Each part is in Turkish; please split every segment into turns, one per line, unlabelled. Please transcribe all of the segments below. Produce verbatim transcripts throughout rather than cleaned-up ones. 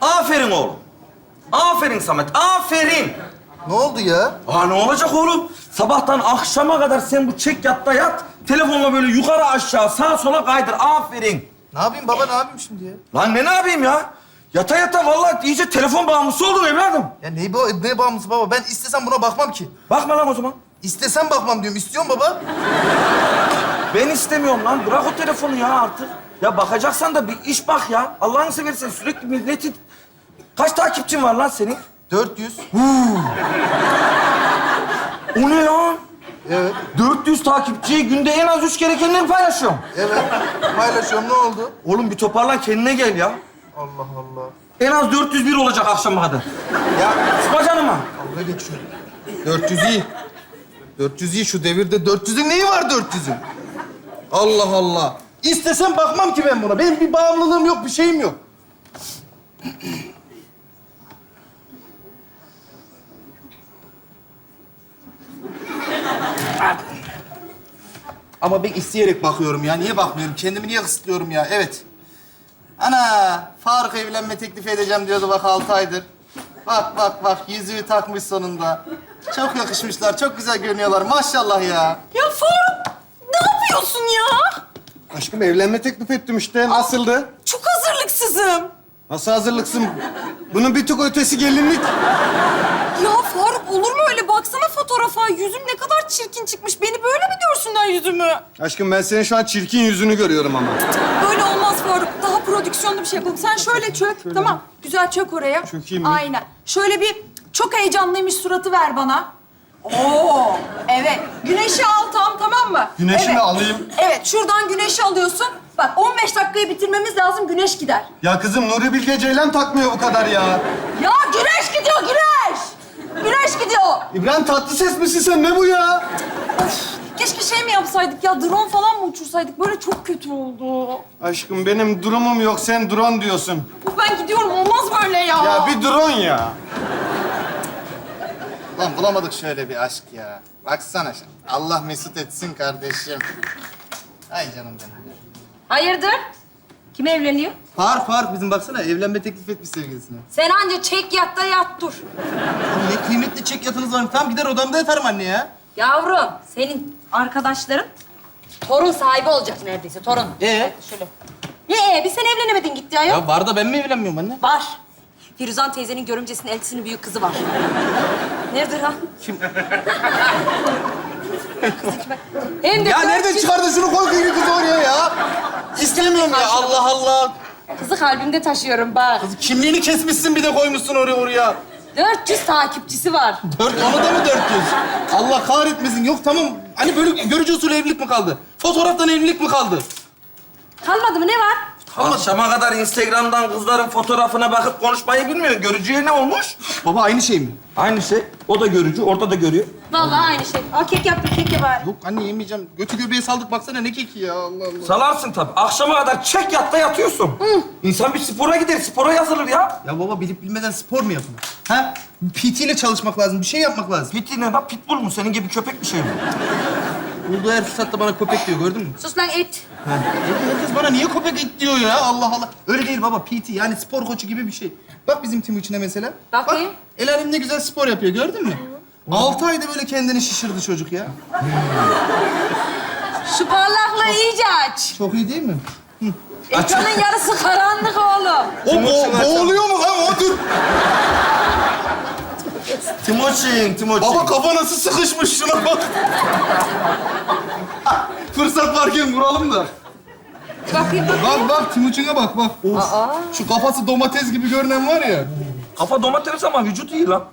Aferin oğlum. Aferin Samet, aferin.
Ne oldu ya?
Aa ne olacak oğlum? Sabahtan akşama kadar sen bu çek yatta yat. Telefonla böyle yukarı aşağı sağa sola kaydır. Aferin.
Ne yapayım baba, ne yapayım şimdi ya?
Lan ne ne yapayım ya? Yata yata vallahi iyice telefon bağımlısı oldun evladım.
Ya ne, bu, ne bağımlısı baba? Ben istesem buna bakmam ki.
Bakma lan o zaman.
İstesem bakmam diyorum. İstiyorum baba.
Ben istemiyorum lan. Bırak o telefonu ya artık. Ya bakacaksan da bir iş bak ya. Allah'ını seversen sürekli milletin... Kaç takipçin var lan senin?
dört yüz.
O ne lan?
Evet.
dört yüz takipçiyi günde en az üç kere kendini paylaşıyorum.
Evet. Paylaşıyorum. Ne oldu?
Oğlum bir toparlan kendine gel ya.
Allah Allah.
En az dört yüz bir olacak akşama kadar.
Ya
Sıkma canıma.
dalga geçiyor. dört yüz iyi. dört yüz iyi. Şu devirde dört yüzün neyi var dört yüzün? Allah Allah. İstesem bakmam ki ben buna. Benim bir bağımlılığım yok, bir şeyim yok. Ama ben isteyerek bakıyorum ya. Niye bakmıyorum? Kendimi niye kısıtlıyorum ya? Evet. Ana, Faruk evlenme teklifi edeceğim diyordu bak altı aydır. Bak bak bak, yüzüğü takmış sonunda. Çok yakışmışlar, çok güzel görünüyorlar. Maşallah ya.
Ya Faruk, ne yapıyorsun ya?
Aşkım evlenme teklif ettim işte. Nasıldı?
Çok hazırlıksızım.
Nasıl hazırlıksın? Bunun bir tık ötesi gelinlik.
Ya Faruk, olur mu öyle? Baksana fotoğrafa. Yüzüm ne kadar çirkin çıkmış. Beni böyle mi görsünler yüzümü?
Aşkım ben senin şu an çirkin yüzünü görüyorum ama.
Böyle olmaz Faruk. Daha prodüksiyonlu bir şey yapalım. Sen şöyle çök. Tamam. Güzel çök oraya.
Çökeyim mi?
Aynen. Şöyle bir çok heyecanlıymış suratı ver bana. Oo, evet. Güneşi al tam, tamam mı?
Güneşi
evet.
mi alayım?
Evet, şuradan güneşi alıyorsun. Bak, on beş dakikayı bitirmemiz lazım, güneş gider.
Ya kızım Nuri Bilge Ceylan takmıyor bu kadar ya.
Ya güneş gidiyor, güneş! Güneş gidiyor.
İbrahim Tatlıses misin sen? Ne bu ya?
Keşke şey mi yapsaydık ya, drone falan mı uçursaydık? Böyle çok kötü oldu.
Aşkım benim durumum yok. Sen drone diyorsun.
Uf, ben gidiyorum, olmaz böyle ya.
Ya bir drone ya. Lan bulamadık şöyle bir aşk ya. Baksana sen. Allah mesut etsin kardeşim. Ay canım benim.
Hayırdır? Kim evleniyor?
Faruk, Faruk bizim baksana evlenme teklif etmiş sevgilisine.
Sen anca çek yat da yat dur.
Oğlum ne kıymetli çek yatınız var. Tamam gider odamda yatarım anne ya.
Yavrum, senin arkadaşların torun sahibi olacak neredeyse, torun.
Ee?
Şöyle. Ne ee? Bir sen evlenemedin gitti ya.
Ya var da ben mi evlenmiyorum anne?
Var. Firuzan teyzenin görümcesinin eltisinin büyük kızı var. Neredir ha?
Kim?
Kız içme. Hem de
Ya
dört
nereden
yüz-
çıkardın şunu koy kıyı kızı oraya ya? İstemiyorum ya Allah Allah.
Kızı kalbimde taşıyorum bak.
Kimliğini kesmişsin bir de koymuşsun oraya oraya.
dört yüz takipçisi var.
Dört, onu da mı dört yüz? Allah kahretmesin. Yok tamam. Hani böyle görücü usulü evlilik mi kaldı? Fotoğraftan evlilik mi kaldı?
Kalmadı mı? Ne var?
Akşama kadar Instagram'dan kızların fotoğrafına bakıp konuşmayı bilmiyor. Görücüye ne olmuş?
Baba aynı şey mi?
Aynı şey. O da görücü, orada da görüyor.
Vallahi aynı şey. Al kek yaptım, kek ye bari.
Yok anne yemeyeceğim. Götü göbeğe saldık baksana ne keki ya Allah Allah.
Salarsın tabii. Akşama kadar çek yatta yatıyorsun. İnsan bir spora gider, spora yazılır ya.
Ya baba bilip bilmeden spor mu yapılır? Ha? P T ile çalışmak lazım. Bir şey yapmak lazım.
Piti ne lan? Pitbull mu? Senin gibi köpek bir şey mi?
Bulduğu her fırsatta bana köpek diyor gördün mü?
Sus lan it.
Ha. Herkes bana niye köpek et diyor ya Allah Allah. Öyle değil baba P T yani spor koçu gibi bir şey. Bak bizim Timuçin'e mesela.
Bakayım.
Bak el alem ne güzel spor yapıyor gördün mü? Altı ayda böyle kendini şişirdi çocuk ya.
Şu parlaklığı iyice aç.
Çok iyi değil mi?
Ekranın yarısı karanlık oğlum.
O bo- boğuluyor mu lan o dur.
Timoçin, Timoçin.
Baba kafa nasıl sıkışmış şuna bak. Fırsat varken vuralım da.
Bakayım bak.
Bak bak Timuçin'e bak bak. Of.
Aa.
Şu kafası domates gibi görünen var ya.
Kafa domates ama vücut iyi lan.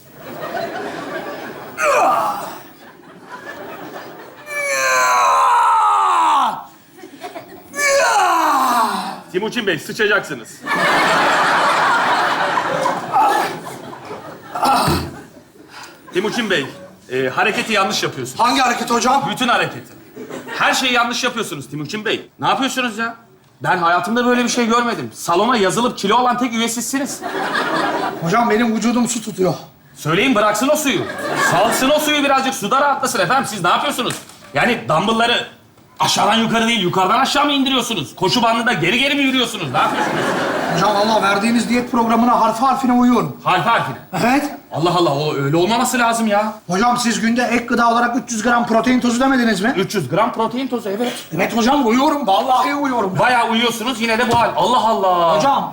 Timuçin Bey, sıçacaksınız. Timuçin Bey, e, hareketi yanlış yapıyorsunuz.
Hangi hareket hocam?
Bütün hareketi. Her şeyi yanlış yapıyorsunuz Timuçin Bey. Ne yapıyorsunuz ya? Ben hayatımda böyle bir şey görmedim. Salona yazılıp kilo olan tek üye sizsiniz.
Hocam benim vücudum su tutuyor.
Söyleyin bıraksın o suyu. Salsın o suyu birazcık, suda rahatlasın efendim. Siz ne yapıyorsunuz? Yani dumbbellları aşağıdan yukarı değil, yukarıdan aşağı mı indiriyorsunuz? Koşu bandında geri geri mi yürüyorsunuz? Ne yapıyorsunuz?
Hocam Allah verdiğiniz diyet programına harfi harfine uyuyorum.
Harfi harfine.
Evet.
Allah Allah, o öyle olmaması lazım ya.
Hocam siz günde ek gıda olarak üç yüz gram protein tozu demediniz mi?
üç yüz gram protein tozu, evet.
Evet hocam uyuyorum. Vallahi uyuyorum.
Bayağı uyuyorsunuz, yine de bu hal. Allah Allah.
Hocam.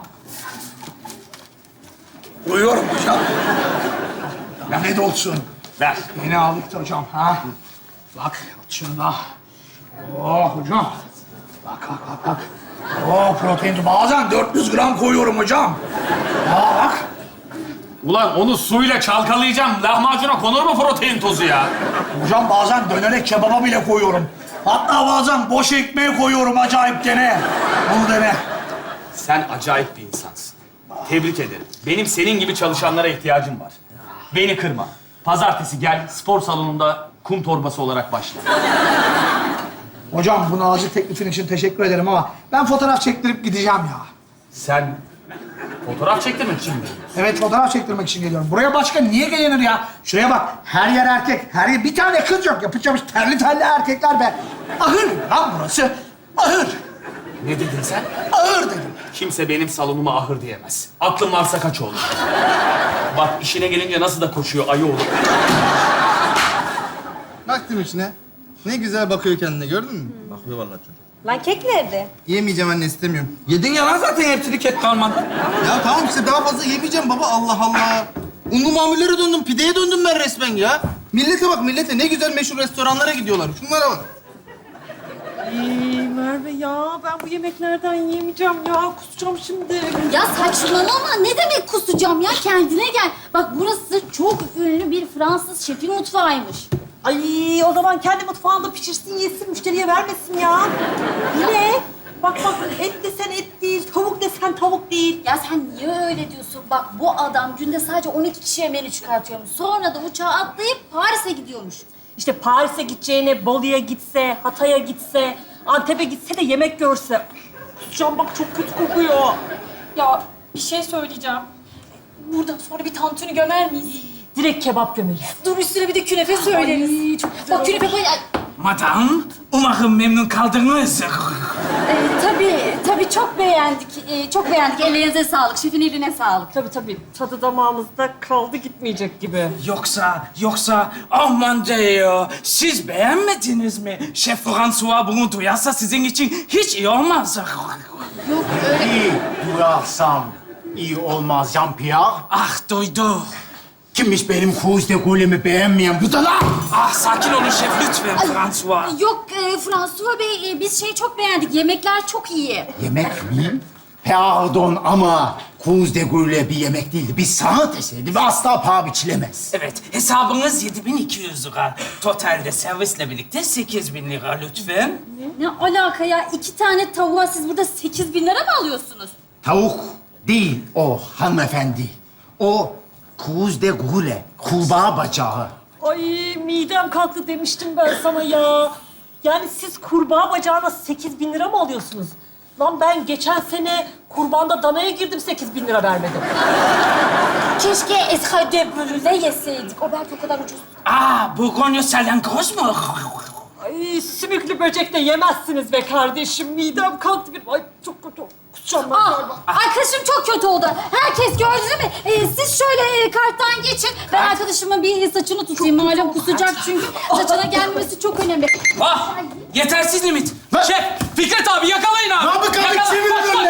Uyuyorum hocam. Ya ne de olsun.
Ver.
Yeni aldık da hocam. Ha? Bak şunda. Oh hocam. Bak bak bak bak. Oh protein tozu. Bazen dört yüz gram koyuyorum hocam. Aa bak.
Ulan onu suyla çalkalayacağım. Lahmacuna konur mu protein tozu ya?
Hocam bazen dönere kebaba bile koyuyorum. Hatta bazen boş ekmeğe koyuyorum acayip dene. Bunu dene.
Sen acayip bir insansın. Tebrik ederim. Benim senin gibi çalışanlara ihtiyacım var. Beni kırma. Pazartesi gel, spor salonunda kum torbası olarak başla.
Hocam bu nazik teklifin için teşekkür ederim ama ben fotoğraf çektirip gideceğim ya.
Sen fotoğraf çektirmek için mi?
Evet fotoğraf çektirmek için geliyorum. Buraya başka niye gelinir ya? Şuraya bak. Her yer erkek. Her yer bir tane kız yok. Yapacağımız terli terli erkekler be. Ahır lan burası. Ahır.
Ne dedin sen?
Ahır dedim.
Kimse benim salonuma ahır diyemez. Aklın varsa kaç oğlum. Bak işine gelince nasıl da koşuyor ayı oğlum.
Baktım içine. Ne güzel bakıyor kendine, gördün mü?
Bakıyor vallahi çocuk.
Lan kek nerede?
Yemeyeceğim anne, istemiyorum.
Yedin ya lan zaten hepsini kek kalmadı.
Ya tamam işte daha fazla yemeyeceğim baba, Allah Allah. Unlu mamullere döndüm, pideye döndüm ben resmen ya. Millete bak millete, ne güzel meşhur restoranlara gidiyorlar. Şunlara bak.
Ay Merve ya, ben bu yemeklerden yiyemeyeceğim ya. Kusacağım şimdi.
Ya saçmalama. Ne demek kusacağım ya? Kendine gel. Bak burası çok ünlü bir Fransız şefin mutfağıymış.
Ay o zaman kendi mutfağında pişirsin, yesin, müşteriye vermesin ya. Yine. Bak bak, et desen et değil, tavuk desen tavuk değil.
Ya sen niye öyle diyorsun? Bak bu adam günde sadece on iki kişiye menü çıkartıyormuş. Sonra da uçağa atlayıp Paris'e gidiyormuş.
İşte Paris'e gideceğine Bolu'ya gitse, Hatay'a gitse, Antep'e gitse de yemek görse. Kusacağım bak, çok kötü kokuyor.
Ya bir şey söyleyeceğim. Buradan sonra bir tantuni gömer miyiz?
Direkt kebap gömeriz.
Dur üstüne bir de künefe söyleriz.
Ay, çok güzel
Bak künefe koy. Ay,
Madam, umarım memnun kaldınız.
e, tabii, tabii çok beğendik. E, çok beğendik. Ellerinize sağlık. Şefin eline sağlık.
Tabii tabii, tadı damağımızda kaldı gitmeyecek gibi.
Yoksa, yoksa aman diyor, siz beğenmediniz mi? Şef François bunu duyarsa sizin için hiç iyi olmaz.
Yok öyle.
İyi duyarsam iyi olmaz Jean-Pierre.
Ah duydu.
Kimmiş benim Cruz de Gaulle'mi beğenmeyen bu da lan?
Ah sakin olun şef lütfen François.
Yok e, François Bey, e, biz şeyi çok beğendik. Yemekler çok iyi.
Yemek mi? Pardon ama Cruz de Gaulle bir yemek değildi. Bir sanat eseri ve asla paha biçilemez.
Evet, hesabınız yedi bin iki yüz lira. Totalde servisle birlikte sekiz bin lira lütfen.
Ne alaka ya? İki tane tavuğa siz burada sekiz bin lira mı alıyorsunuz?
Tavuk değil o hanımefendi. O Cruz de Gaulle, kurbağa bacağı.
Ay midem kalktı demiştim ben sana ya. Yani siz kurbağa bacağına sekiz bin lira mı alıyorsunuz? Lan ben geçen sene kurbanda danaya girdim, sekiz bin lira vermedim.
Keşke escade brûlée yeseydik. O belki o kadar ucuz.
Ah, Bourgogne salyangoz mu?
Ay sümüklü böcek de yemezsiniz be kardeşim. Midem kalktı benim. Ay çok kötü. Kusacağım ben galiba.
Ah, arkadaşım çok kötü oldu. Herkes gördü değil mi? Ee, siz şöyle e, karttan geçin. Ben arkadaşımın bir saçını tutayım. Malum kusacak çünkü. Saçına gelmemesi çok önemli.
Ah, yetersiz limit. Şef, Fikret abi yakalayın abi.
Namık abi
Yakala-
çevirin
Kaç,
onu.